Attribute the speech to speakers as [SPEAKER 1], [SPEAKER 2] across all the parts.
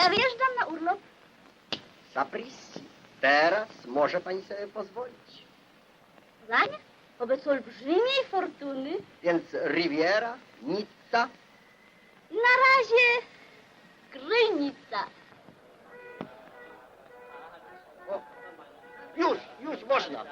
[SPEAKER 1] Ja wyjeżdżam na urlop.
[SPEAKER 2] Sapristi. Teraz może pani sobie pozwolić.
[SPEAKER 1] Poznanie? Wobec olbrzymiej fortuny.
[SPEAKER 2] Więc Riviera, Nizza.
[SPEAKER 1] Na razie Krynica.
[SPEAKER 2] O, już można.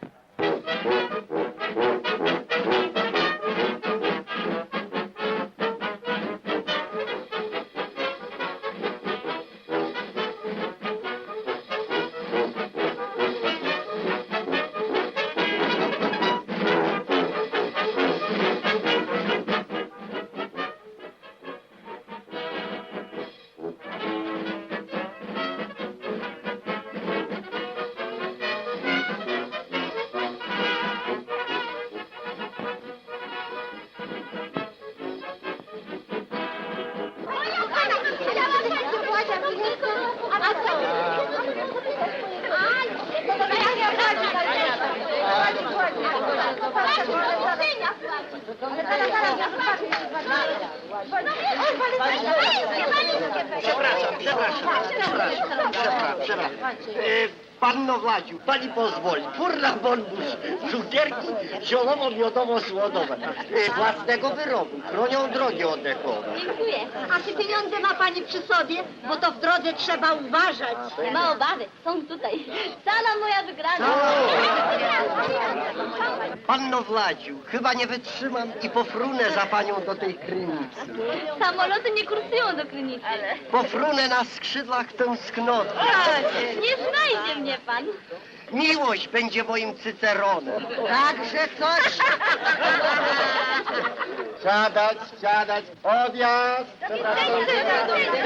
[SPEAKER 2] Przepraszam. Panno Władziu, pani pozwoli. Furna bonbus, cukierki ziołowo-miodowo-słodowe. Własnego wyrobu, chronią drogi oddechowe.
[SPEAKER 1] Dziękuję.
[SPEAKER 3] A czy pieniądze ma pani przy sobie? Bo to w drodze trzeba uważać.
[SPEAKER 1] Nie ma obawy, są tutaj. Cała moja wygrana.
[SPEAKER 2] Panno Władziu, chyba nie wytrzymam i pofrunę za panią do tej Krynicy.
[SPEAKER 1] Samoloty nie kursują do Krynicy.
[SPEAKER 2] Pofrunę na skrzydłach tęsknoty.
[SPEAKER 1] Nie znajdzie mnie pan.
[SPEAKER 2] Miłość będzie moim cyceronem.
[SPEAKER 3] Także coś.
[SPEAKER 2] Siadać, odjazd.
[SPEAKER 1] Do widzenia.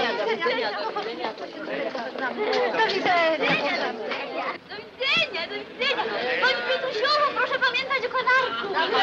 [SPEAKER 1] Pani Pietusiu, proszę pamiętać o kanarku.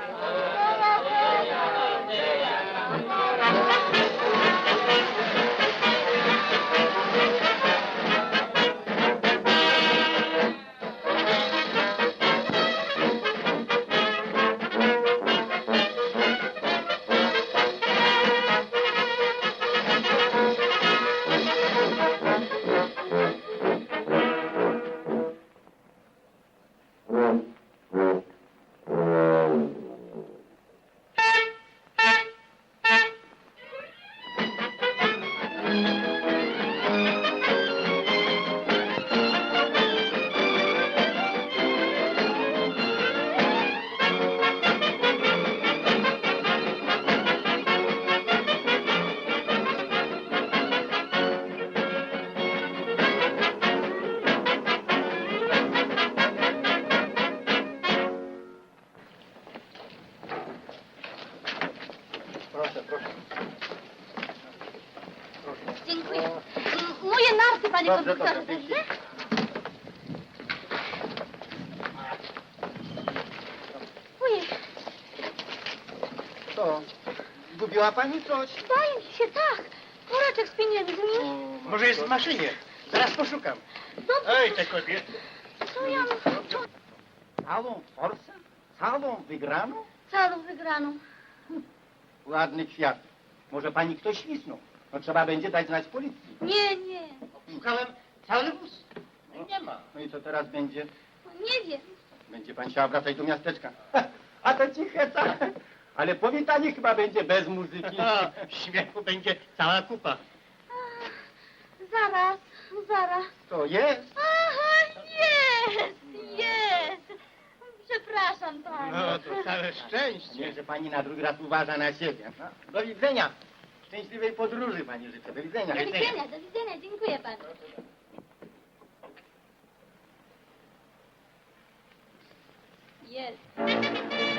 [SPEAKER 1] Dziękuję. Moje narty, panie konduktorze, dobrze? Ojej,
[SPEAKER 4] Co? Zgubiła pani coś?
[SPEAKER 1] zdaje mi się, tak. Woreczek z pieniędzmi.
[SPEAKER 4] Może jest w maszynie. Zaraz poszukam.
[SPEAKER 1] Dobrze,
[SPEAKER 4] Ej, te kobiety.
[SPEAKER 1] co ja mam?
[SPEAKER 4] Całą forsę? Całą wygraną?
[SPEAKER 1] Całą wygraną.
[SPEAKER 4] Ładny kwiat. Może pani ktoś świsnął. No trzeba będzie dać znać policji.
[SPEAKER 1] Nie.
[SPEAKER 4] Szukałem cały wóz. No nie ma. No i co teraz będzie?
[SPEAKER 1] Nie wiem.
[SPEAKER 4] Będzie pan chciała wracać do miasteczka. A to cicheca. Ale powitanie chyba będzie bez muzyki. Śmiechu będzie cała kupa.
[SPEAKER 1] Zaraz.
[SPEAKER 4] To jest?
[SPEAKER 1] Aha, jest. Przepraszam pana.
[SPEAKER 4] No to całe szczęście. Że pani na drugi raz uważa na siebie. No, do widzenia. Szczęśliwej podróży pani życzę. Do widzenia.
[SPEAKER 1] Do widzenia, dziękuję panu. Jest.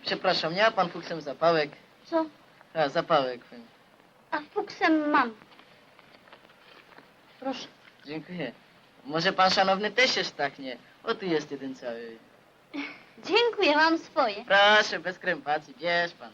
[SPEAKER 5] Przepraszam, nie ma pan fuksem zapałek?
[SPEAKER 1] Co?
[SPEAKER 5] A, zapałek.
[SPEAKER 1] A fuksem mam.
[SPEAKER 5] Proszę. Dziękuję. Może pan szanowny też się sztachnie? O, tu jest jeden cały.
[SPEAKER 1] Dziękuję, mam swoje.
[SPEAKER 5] Proszę, bez krępacji, bierz pan.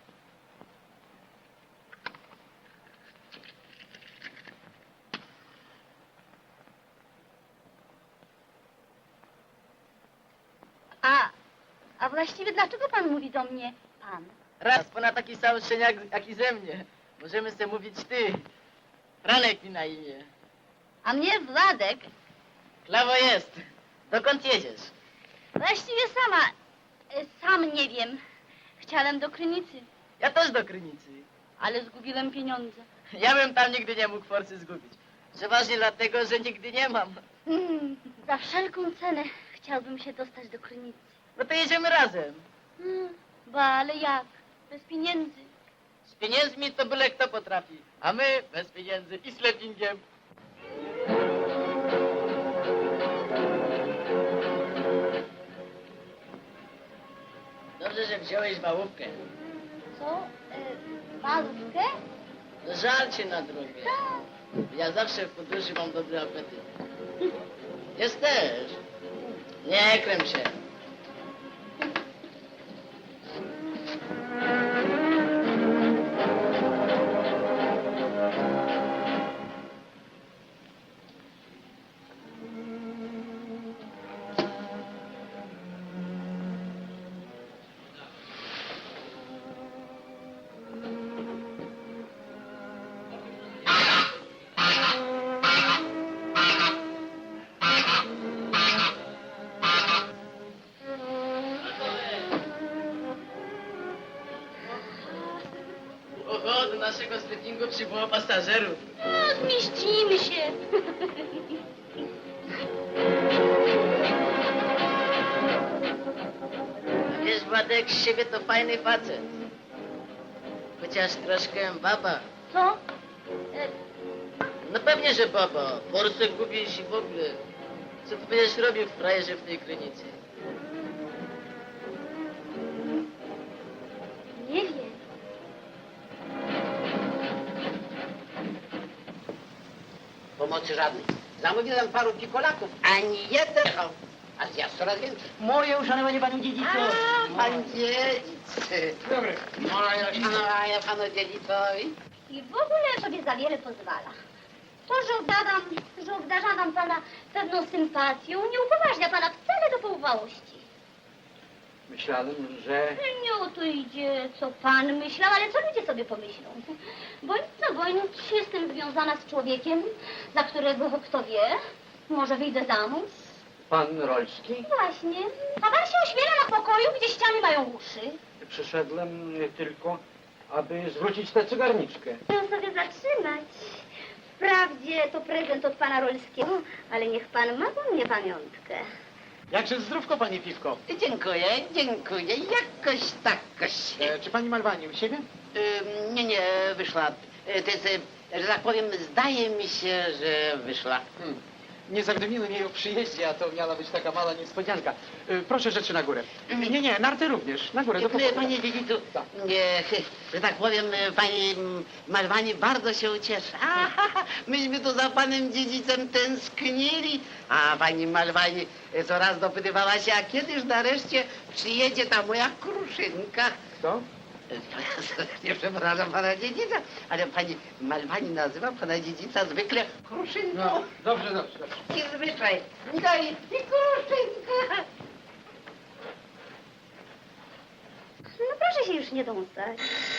[SPEAKER 1] A właściwie dlaczego pan mówi do mnie pan?
[SPEAKER 5] Raz, pana taki sam szczeniak jak i ze mnie. Możemy sobie mówić ty. Franek mi na imię.
[SPEAKER 1] A mnie Władek.
[SPEAKER 5] Klawo jest. Dokąd jedziesz?
[SPEAKER 1] Właściwie sam nie wiem. Chciałem do Krynicy,
[SPEAKER 5] Ja też do Krynicy.
[SPEAKER 1] ale zgubiłem pieniądze.
[SPEAKER 5] Ja bym tam nigdy nie mógł forsy zgubić. Przeważnie dlatego, że nigdy nie mam.
[SPEAKER 1] Za wszelką cenę chciałbym się dostać do Krynicy.
[SPEAKER 5] No to jedziemy razem.
[SPEAKER 1] Ale jak? Bez pieniędzy.
[SPEAKER 5] Z pieniędzmi to byle kto potrafi. A my bez pieniędzy i z lepingiem. Dobrze, że wziąłeś wałówkę.
[SPEAKER 1] Co? Malówkę?
[SPEAKER 5] No żal cię na drogę. Ja zawsze w podróży mam dobry apetyt. Jest też. Nie kręp się. Oho, do naszego sklepingu przybyło pasażerów.
[SPEAKER 1] Zmieścimy się.
[SPEAKER 5] Wiesz, Władek, z siebie to fajny facet. Chociaż troszkę baba.
[SPEAKER 1] Co?
[SPEAKER 5] No pewnie, że baba. Forsę gubisz i w ogóle. Co ty będziesz robił w frajerze w tej Krynicy?
[SPEAKER 1] Nie wiem.
[SPEAKER 2] Pomocy żadnej. Zamówiłem paru pikolaków, ani jeden. O, a zjazd coraz więcej.
[SPEAKER 3] Moje uszanowanie panu dziedzicu.
[SPEAKER 2] Pan dziedzic.
[SPEAKER 4] Dobry.
[SPEAKER 2] Szanowanie panu dziedzicowi.
[SPEAKER 1] I w ogóle sobie za wiele pozwala. To, że obdarzam pana pewną sympatią, nie upoważnia pana wcale do pouwałości.
[SPEAKER 4] Myślałem, że...
[SPEAKER 1] Nie o to idzie, co pan myślał, ale co ludzie sobie pomyślą. Bądź co bądź, jestem związana z człowiekiem, za którego, kto wie, może wyjdę za mąż.
[SPEAKER 4] Pan Rolski?
[SPEAKER 1] Właśnie. A pan się ośmiela na pokoju, gdzie ściany mają uszy.
[SPEAKER 4] Przyszedłem tylko, aby zwrócić tę cygarniczkę.
[SPEAKER 1] Chcę sobie zatrzymać. Wprawdzie to prezent od pana Rolskiego, ale niech pan ma do mnie pamiątkę.
[SPEAKER 6] Jakże zdrówko, panie Piwko.
[SPEAKER 2] Dziękuję, dziękuję. Jakoś takoś.
[SPEAKER 6] Czy pani Malwani u siebie?
[SPEAKER 2] Nie, wyszła. To jest, że tak powiem, zdaje mi się, że wyszła.
[SPEAKER 6] Nie zawiadomiłem jej o przyjeździe, a to miała być taka mała niespodzianka. Proszę rzeczy na górę. Nie, narty również. Na górę, do pokoju.
[SPEAKER 2] Panie dziedzicu,
[SPEAKER 6] Tak.
[SPEAKER 2] że tak powiem, pani Malwani bardzo się ucieszy. Myśmy tu za panem dziedzicem tęsknili, a pani Malwani coraz dopytywała się, a kiedyż nareszcie przyjedzie ta moja kruszynka.
[SPEAKER 6] Co?
[SPEAKER 2] Nie przepraszam pana dziedzica, ale pani Malwani nazywa pana dziedzica zwykle kruszynką.
[SPEAKER 6] No, dobrze.
[SPEAKER 2] I zwyczaj. Daj i kruszynka.
[SPEAKER 1] No proszę się już nie dąsać.